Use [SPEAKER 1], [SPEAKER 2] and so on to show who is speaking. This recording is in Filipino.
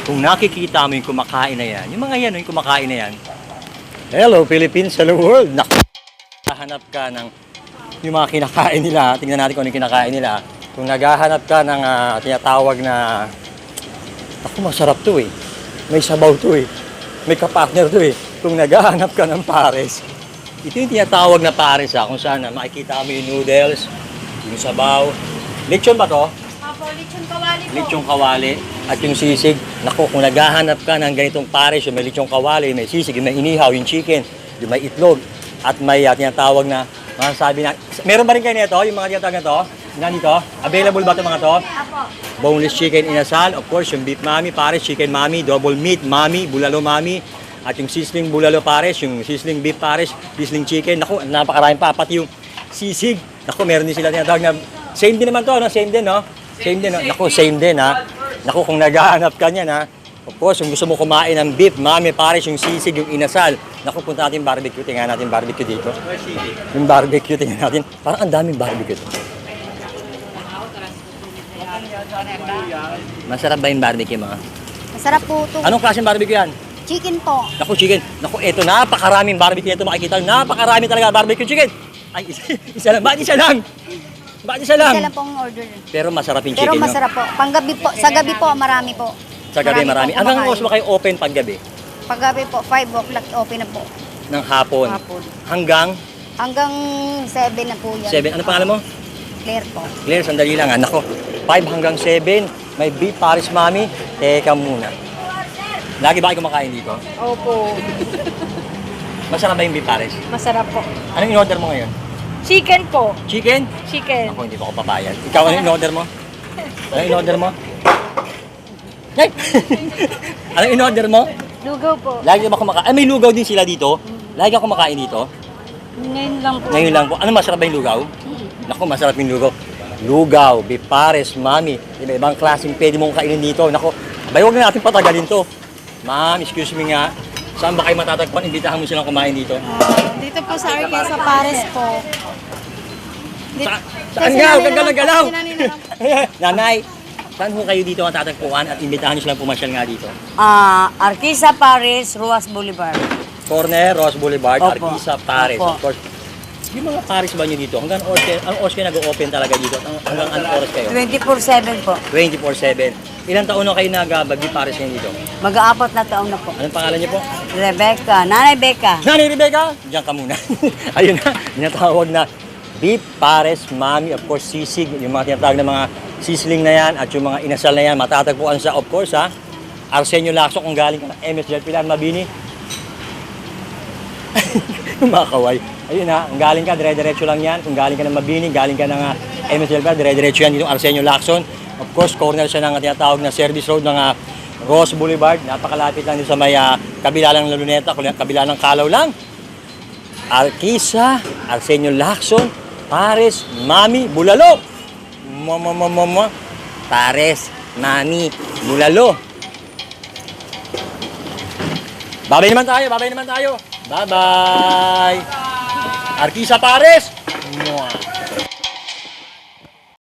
[SPEAKER 1] Kung nakikita mo yung kumakain na yan, yung mga yan, yung kumakain na yan, hello Philippines, hello world! Nakahanap ka ng yung mga kinakain nila, tingnan natin kung ano yung kinakain nila. Kung naghahanap ka ng tinatawag na, ako masarap to eh, may sabaw to eh, may kapartner to eh. Kung naghahanap ka ng pares, ito yung tinatawag na pares kung saan makikita mo yung noodles, yung sabaw. Lechon ba to?
[SPEAKER 2] Apo, lechon kawali po.
[SPEAKER 1] Lechon kawali at yung sisig. Naku, kung naghahanap ka ng ganitong pares, yung may lechon kawali, may sisig, yung may inihaw, yung chicken, yung may itlog, at may tinatawag na, masasabi na, meron ba rin kayo nito, yung mga tinatawag na to? Nandito? Available ba ito mga to?
[SPEAKER 2] Apo.
[SPEAKER 1] Boneless chicken inasal, of course, yung beef mami, pares, chicken mami, double meat mami, bulalo mami, at yung sizzling bulalo pares, yung sizzling beef pares, sizzling chicken. Naku, napakaraming pa, pati yung sisig. Naku, meron din sila tinatawag na, same din naman to, no? Same din, no? Same din, no? Naku, same din, ha? Naku, kung naghahanap ka niyan, ha? Of course, kung gusto mo kumain ng beef, mami, pares, yung sisig, yung inasal. Naku, punta natin barbecue. Tingnan natin barbecue dito. Yung barbecue, tingnan natin. Parang ang daming barbecue to. Masarap ba yung barbecue, mga?
[SPEAKER 2] Masarap po ito.
[SPEAKER 1] Anong klaseng barbecue yan?
[SPEAKER 2] Chicken po.
[SPEAKER 1] Naku, chicken. Naku, eto, napakaraming barbecue nito makikita. Napakarami talaga barbecue chicken. Ay, isa lang. Bakit isa lang? Bakit isa lang?
[SPEAKER 2] Isa lang pong order.
[SPEAKER 1] Pero masarap yung
[SPEAKER 2] Pero
[SPEAKER 1] chicken,
[SPEAKER 2] masarap po. Panggabi po. Sa gabi po, marami po.
[SPEAKER 1] Sa gabi, marami.
[SPEAKER 2] po
[SPEAKER 1] Hanggang
[SPEAKER 2] kumakain.
[SPEAKER 1] oras ba kayo open paggabi?
[SPEAKER 2] Paggabi po, 5 o'clock open na po.
[SPEAKER 1] Ng hapon.
[SPEAKER 2] Hapon.
[SPEAKER 1] Hanggang
[SPEAKER 2] Hanggang 7 na po yan.
[SPEAKER 1] 7. Ano pangalan mo?
[SPEAKER 2] Claire po.
[SPEAKER 1] Claire, sandali lang. Nako, 5 hanggang 7. May beef pares, mami. Teka muna. Lagi ba kayo kumakain dito?
[SPEAKER 2] Opo.
[SPEAKER 1] Masarap ba yung beef pares?
[SPEAKER 2] Masarap po.
[SPEAKER 1] Anong in-order mo ngayon?
[SPEAKER 2] Chicken po.
[SPEAKER 1] Chicken?
[SPEAKER 2] Chicken.
[SPEAKER 1] Ako, hindi pa ako papayag. Ikaw, ano in-order mo? Ano in-order mo? Ay! Ano in-order mo?
[SPEAKER 2] Lugaw po.
[SPEAKER 1] Lagi ba kumakain? Ay, may lugaw din sila dito. Lagi ako kumakain dito.
[SPEAKER 2] Ngayon lang po.
[SPEAKER 1] Ngayon lang po. Ano masarap ba yung lugaw? Naku, masarap yung lugaw. Lugaw, beef pares, mami. Iba-ibang klaseng pwede mong kainin dito. Naku, abay, huwag na natin patagalin to. Ma'am, excuse me nga. Saan ba kayo matatagpuan? Imbitahan mo silang kumain dito.
[SPEAKER 2] Dito po sa Arquesa Pares po.
[SPEAKER 1] Saan nga? Huwag kang galaw-galaw. Nanay, saan ho kayo dito matatagpuan at imbitahan nyo silang pumasyal nga dito?
[SPEAKER 3] Arquesa Paris, Ruas Boulevard.
[SPEAKER 1] Corner, Ross Boulevard,
[SPEAKER 3] Opo.
[SPEAKER 1] Arquesa, Pares.
[SPEAKER 3] Opo.
[SPEAKER 1] Of course. Yung mga Pares ba nyo dito? Hanggang oras kayo nag-open talaga dito? Hanggang anong oras kayo?
[SPEAKER 3] 24/7 po.
[SPEAKER 1] 24/7. Ilang taon na kayo nag-bagbi Pares ngayon dito?
[SPEAKER 3] Mag-aapat na taon na po.
[SPEAKER 1] Anong pangalan niyo po?
[SPEAKER 3] Rebecca, Nanay Becca.
[SPEAKER 1] Nanay Rebecca! Diyan ka muna. Ayun na, tinatawag na beef pares, mami, of course, sisig. Yung mga tinatawag na mga sisling na yan at yung mga inasal na yan, matatagpuan sa, of course, Arsenio Lacson kung galing ka ng MSJ Pilar Mabini. Yung mga kaway. Ayun ang galing ka, dire-diretso lang yan. Kung galing ka ng Mabini, galing ka ng MSJ Pilar, dire-diretso yan dito Arsenio Lacson. Of course, corner siya ng tinatawag na service road ng Ross Boulevard. Napakalapit lang dito sa may kabila lang ng Luneta, kabila ng Kalaw lang. Arquesa, Arsenio Lacson, Pares, Mami, Bulalo. Mama. Pares, Mami, Bulalo. Babay naman tayo. Bye-bye. Arquesa, Pares. Mwah.